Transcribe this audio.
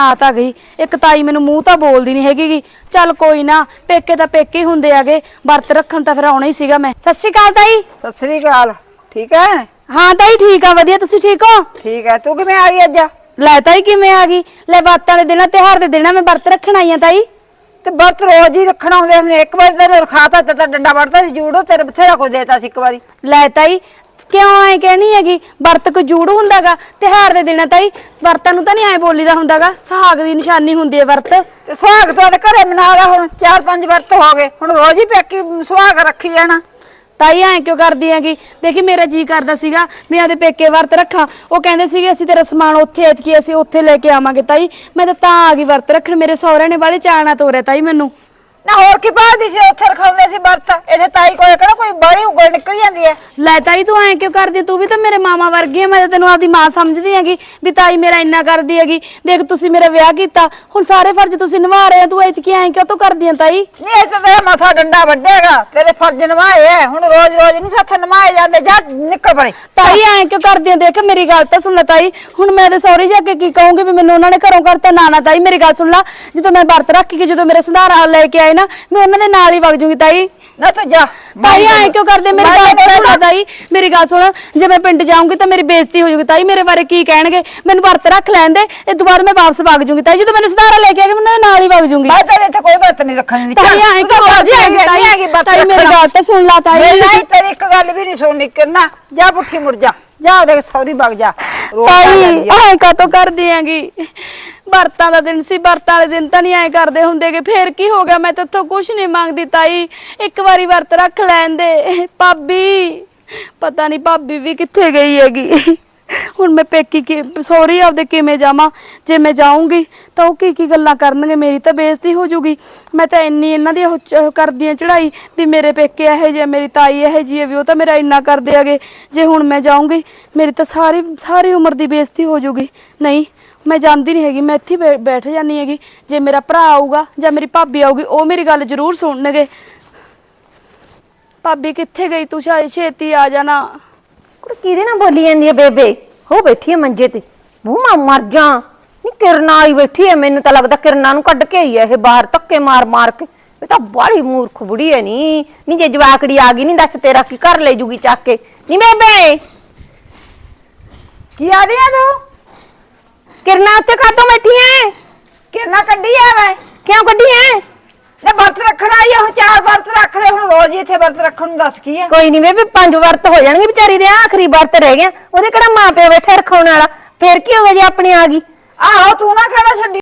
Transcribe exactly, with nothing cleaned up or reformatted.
ਆ ਤਾਂ ਗਈ ਇੱਕ ਤਾਈ ਮੈਨੂੰ ਮੂੰਹ ਤਾਂ ਬੋਲਦੀ ਨਹੀਂ ਹੈਗੀ। ਚੱਲ ਕੋਈ ਨਾ, ਪੇਕੇ ਤਾਂ ਪੇਕੇ ਹੀ ਹੁੰਦੇ ਆਗੇ, ਵਰਤ ਰੱਖਣ ਤਾਂ ਫਿਰ ਆਉਣਾ ਹੀ ਸੀਗਾ ਮੈਂ। ਸਤਿ ਸ਼੍ਰੀ ਅਕਾਲ ਤਾਈ। ਸਤਿ ਸ੍ਰੀ ਅਕਾਲ। ਠੀਕ ਹੈ? ਹਾਂ ਤਾਈ ਠੀਕ ਆ, ਵਧੀਆ, ਤੁਸੀਂ ਠੀਕ ਹੋ? ਠੀਕ ਹੈ। ਤੂੰ ਕਿਵੇਂ ਆ ਗਈ ਅੱਜ? ਲੈ ਤਾਈ ਕਿਵੇਂ ਆ ਗਈ? ਲੈ ਬਾਤਾਂ ਦੇ ਦਿਨਾਂ ਤਿਉਹਾਰ ਦੇ ਦਿਨਾਂ ਮੈਂ ਵਰਤ ਰੱਖਣ ਆਈ ਆ ਤਾਈ। ਤੇ ਵਰਤ ਰੋਜ਼ ਹੀ ਰੱਖਣਾ ਹੁੰਦੇ ਹੁੰਦੇ, ਇੱਕ ਵਾਰੀ ਤੈਨੂੰ ਰਖਾਤਾ ਤੇ ਤਾਂ ਡੰਡਾ ਵੜਦਾ ਸੀ ਜੂੜੋ, ਤੇਰੇ ਬਥੇਰਾ ਕੁਝ ਦੇਤਾ ਸੀ ਇੱਕ ਵਾਰੀ। ਲੈ ਤਾਈ ਕਿਉਂ ਐ ਕਹਿਣੀ ਹੈਗੀ? ਵਰਤ ਕੋ ਜੂੜ ਹੁੰਦਾਗਾ ਤਿਉਹਾਰ ਦੇ ਦਿਨਾਂ ਤਾਈ, ਵਰਤਾਂ ਨੂੰ ਤਾਂ ਨਹੀਂ ਐ ਬੋਲੀਦਾ ਹੁੰਦਾਗਾ, ਸੁਹਾਗ ਦੀ ਨਿਸ਼ਾਨੀ ਹੁੰਦੀ ਹੈ ਵਰਤ। ਤੇ ਸੁਹਾਗ ਤੋਂ ਘਰੇ ਮਨਾ ਲਾ, ਹੁਣ ਚਾਰ ਪੰਜ ਵਰਤ ਹੋ ਗਏ, ਹੁਣ ਰੋਜ਼ ਹੀ ਪੇਕੀ ਸੁਹਾਗ ਰੱਖੀ ਜਾਣਾ। ਤਾਈ ਐ ਕਿਉਂ ਕਰਦੀ ਹੈਗੀ? ਦੇਖੀ ਮੇਰਾ ਜੀ ਕਰਦਾ ਸੀਗਾ ਮੈਂ ਆਦੇ ਪੇਕੇ ਵਰਤ ਰੱਖਾਂ, ਉਹ ਕਹਿੰਦੇ ਸੀਗੇ ਅਸੀਂ ਤੇਰਾ ਸਮਾਨ ਉੱਥੇ ਐਤਕੀ ਅਸੀਂ ਉੱਥੇ ਲੈ ਕੇ ਆਵਾਂਗੇ ਤਾਈ। ਮੈਂ ਤਾਂ ਤਾਂ ਆ ਗਈ ਵਰਤ ਰੱਖਣ, ਮੇਰੇ ਸਹੁਰੇ ਨੇ ਬਾਹਲੇ ਚਾਅ ਤੋਰਿਆ ਤਾਈ ਮੈਨੂੰ। ਨਾ ਹੋਰ ਕੀ ਭਾਲਦੀ ਸੀ? ਉੱਥੇ ਰਖਾਉਂਦੇ ਸੀ ਵਰਤ, ਇੱਥੇ ਤਾਈ ਕੋਲ ਕਿਹੜਾ ਕੋਈ ਬੜੀ ਉਗਲ ਨਿਕਲ ਜਾਂਦੀ ਹੈ। ਲੈ ਤਾਈ ਤੂੰ ਐ ਕਿਉਂ ਕਰਦੀ? ਤੂੰ ਵੀ ਤਾਂ ਮੇਰੇ ਮਾਮਾ ਵਰਗੀ ਹੈ, ਮੈਂ ਤਾਂ ਤੈਨੂੰ ਆਪਦੀ ਮਾਂ ਸਮਝਦੀ ਹੈਗੀ ਵੀ ਤਾਈ ਮੇਰਾ ਇੰਨਾ ਕਰਦੀ ਹੈਗੀ। ਦੇਖ ਤੁਸੀਂ ਮੇਰਾ ਵਿਆਹ ਕੀਤਾ, ਹੁਣ ਸਾਰੇ ਫਰਜ਼ ਤੁਸੀਂ ਨਿਭਾ ਰਹੇ ਹੋ, ਤੂੰ ਐਤਕੀ ਐ ਕਿਉਂ ਤੂੰ ਕਰਦੀ ਆਂ ਤਾਈ? ਨਹੀਂ, ਇਹ ਤਾਂ ਤੇਰਾ ਮਸਾ ਡੰਡਾ ਵੱਡੇਗਾ, ਤੇਰੇ ਫਰਜ਼ ਨਿਭਾਏ ਐ, ਹੁਣ ਰੋਜ਼ ਰੋਜ਼ ਨਹੀਂ ਸਾਥ ਨਿਭਾਏ ਜਾਂਦੇ। ਜਾ ਨਿਕਲ ਪਰੇ। ਤਾਈ ਐ ਕਿਉਂ ਕਰਦੀ ਆਂ? ਦੇਖ ਮੇਰੀ ਗੱਲ ਤਾਂ ਸੁਣ ਲੈ ਤਾਈ, ਹੁਣ ਮੈਂ ਤੇ ਸਹੁਰੇ ਜਾ ਕੇ ਕੀ ਕਹੂੰਗੀ ਵੀ ਮੈਨੂੰ ਉਹਨਾਂ ਨੇ ਘਰੋਂ ਕਰਤਾ? ਨਾ ਨਾ ਤਾਈ ਮੇਰੀ ਗੱਲ ਸੁਣ ਲੈ, ਜਦੋਂ ਮੈਂ ਵਰਤ ਰੱਖ ਕੇ ਜਦੋਂ ਮੇਰੇ ਸੰਧਾਰਾ ਲੈ ਕੇ ਆਏ ਨਾ, ਮੈਂ ਉਹਨਾਂ ਦੇ ਨਾਲ ਹੀ ਵਗ ਜੂਗੀ ਤਾਈ। ਨਾ ਤੂੰ ਜਾ। ਤਾਈ ਐ ਕਿਉਂ ਕਰਦੇ? ਮੇਰੀ ਗੱਲ ਸੁਣ ਤਾਈ, ਮੇਰੀ ਗੱਲ ਸੁਣ, ਜੇ ਮੈਂ ਪਿੰਡ ਜਾਊਂਗੀ ਤਾਂ ਮੇਰੀ ਬੇਇੱਜ਼ਤੀ ਹੋ ਜੂਗੀ ਤਾਈ, ਮੇਰੇ ਬਾਰੇ ਕੀ ਕਹਿਣਗੇ? ਮੈਨੂੰ ਵਰਤ ਰੱਖ ਲੈਣ ਦੇ, ਇਹ ਦੁਬਾਰਾ ਮੈਂ ਵਾਪਸ ਵਗ ਜੂਗੀ ਤਾਈ, ਜਦੋਂ ਮੈਨੂੰ ਸੰਧਾਰਾ ਲੈ ਕੇ ਆਗੇ ਮੈਂ ਨਾਲ ਹੀ ਵਗ ਜੂਗੀ। ਮੈਂ ਤੇਰੇ ਇੱਥੇ ਕੋਈ ਵਰਤ ਨਹੀਂ ਰੱਖਣੀ। ਤਾਈ ਐ ਕਿਉਂ ਕਰਦੀ ਹੈਗੀ ਤਾਈ? ਮੇਰੀ ਗੱਲ ਤਾਂ ਸੁਣ ਲਾ ਤਾਈ। ਨਹੀਂ ਤੇਰੀ ਇੱਕ ਗੱਲ ਵੀ ਨਹੀਂ ਸੁਣਨੀ ਕਰਨਾ, ਜਾ ਪੁੱਠੀ ਮੁੜ ਜਾ, ਜਾ ਦੇਖ ਸੌਰੀ ਵਗ ਜਾ। ਤਾਈ ਐ ਕਾਤੋਂ ਕਰਦੀ ਹੈਗੀ? ਵਰਤਾਂ ਦਾ ਦਿਨ ਸੀ, ਵਰਤਾਂ ਵਾਲੇ ਦਿਨ ਤਾਂ ਨਹੀਂ ਐ ਕਰਦੇ ਹੁੰਦੇਗੇ, ਫੇਰ ਕੀ ਹੋ ਗਿਆ? ਮੈਂ ਤੇਥੋਂ ਕੁਛ ਨਹੀਂ ਮੰਗਦੀ ਤਾਈ, ਇੱਕ ਵਾਰੀ ਵਰਤ ਰੱਖ ਲੈਣ ਦੇ। ਭਾਬੀ ਪਤਾ ਨਹੀਂ ਭਾਬੀ ਵੀ ਕਿੱਥੇ ਗਈ ਹੈਗੀ, ਹੁਣ ਮੈਂ ਪੇਕੀ ਕੀ ਸੌਰੀ ਆਪਦੇ ਕਿਵੇਂ ਜਾਵਾਂ? ਜੇ ਮੈਂ ਜਾਊਂਗੀ ਤਾਂ ਉਹ ਕੀ ਕੀ ਗੱਲਾਂ ਕਰਨਗੇ, ਮੇਰੀ ਤਾਂ ਬੇਇੱਜ਼ਤੀ ਹੋ ਜੂਗੀ। ਮੈਂ ਤਾਂ ਇੰਨੀ ਇਹਨਾਂ ਦੀ ਉਹ ਕਰਦੀ ਆਂ ਚੜਾਈ ਵੀ ਮੇਰੇ ਪੇਕੇ ਇਹੋ ਜਿਹੇ, ਮੇਰੀ ਤਾਈ ਇਹੋ ਜਿਹੀ ਹੈ ਵੀ ਉਹ ਤਾਂ ਮੇਰਾ ਇੰਨਾ ਕਰਦੇ ਹੈਗੇ। ਜੇ ਹੁਣ ਮੈਂ ਜਾਊਂਗੀ ਮੇਰੀ ਤਾਂ ਸਾਰੀ ਸਾਰੀ ਉਮਰ ਦੀ ਬੇਇੱਜ਼ਤੀ ਹੋ ਜੂਗੀ। ਨਹੀਂ ਮੈਂ ਜਾਂਦੀ ਨਹੀਂ ਹੈਗੀ, ਮੈਂ ਇੱਥੇ ਬੈਠ ਜਾਂਦੀ ਹੈਗੀ। ਜੇ ਮੇਰਾ ਭਰਾ ਆਊਗਾ ਜਾਂ ਮੇਰੀ ਭਾਬੀ ਆਊਗੀ ਉਹ ਮੇਰੀ ਗੱਲ ਜ਼ਰੂਰ ਸੁਣਨਗੇ। ਭਾਬੀ ਕਿੱਥੇ ਗਈ ਤੂੰ? ਛੇਤੀ ਆ ਜਾਣਾ। ਕੁੜ ਕਿਹਦੇ ਨਾਲ ਬੋਲੀ ਜਾਂਦੀ ਹੈ ਬੇਬੇ? ਹੋ ਬੈਠੀ ਹੈ ਮੰਜੇ ਤੇ, ਮੂੰਹ ਮੈਂ ਮਰ ਜਾ। ਨਹੀਂ ਕਿਰਨਾ ਆਈ ਬੈਠੀ ਹੈ, ਮੈਨੂੰ ਤਾਂ ਲੱਗਦਾ ਕਿਰਨਾ ਨੂੰ ਕੱਢ ਕੇ ਆਈ ਹੈ ਇਹ ਬਾਹਰ ਧੱਕੇ ਮਾਰ ਮਾਰ ਕੇ। ਇਹ ਤਾਂ ਬਾਹਲੀ ਮੂਰਖ ਬੁੜੀ ਹੈ। ਨੀ ਨੀ ਜੇ ਜਵਾਕੜੀ ਆ ਗਈ, ਨਹੀਂ ਦੱਸ ਤੇਰਾ ਕੀ ਘਰ ਲੈ ਜੂਗੀ ਚੱਕ ਕੇ? ਨੀ ਬੇਬੇ ਕੀ ਆ ਰਹੀ ਆ ਤੂੰ? ਕਿਰਨਾ ਉੱਤੇ ਕਾਤੋਂ ਬੈਠੀ ਹੈ? ਕਿਰਨਾ ਕੱਢੀ ਆ ਮੈਂ? ਕਿਉਂ ਕੱਢੀ ਹੈ? ਨਾ ਵਰਤ ਰੱਖਣਾ ਆਈ ਹੁਣ, ਚਾਰ ਵਰਤ ਰੱਖ ਲੈ, ਹੁਣ ਰੋਜ਼ ਹੀ ਇੱਥੇ ਵਰਤ ਰੱਖਣ ਨੂੰ ਦੱਸ ਕੀ ਹੈ? ਕੋਈ ਨਹੀਂ ਬੇਬੇ, ਪੰਜ ਵਰਤ ਹੋ ਜਾਣਗੇ ਵਿਚਾਰੀ ਦੇ, ਆਖਰੀ ਵਰਤ ਰਹਿ ਗਿਆ, ਉਹਦੇ ਕਿਹੜਾ ਮਾਂ ਪਿਓ ਬੈਠੇ ਰਖਾਉਣ ਵਾਲਾ, ਫੇਰ ਕੀ ਹੋ ਗਿਆ ਜੇ ਆਪਣੀ ਆ ਗਈ? ਆਹੋ ਤੂੰ ਨਾ ਖੜਾ ਛੱਡੀ।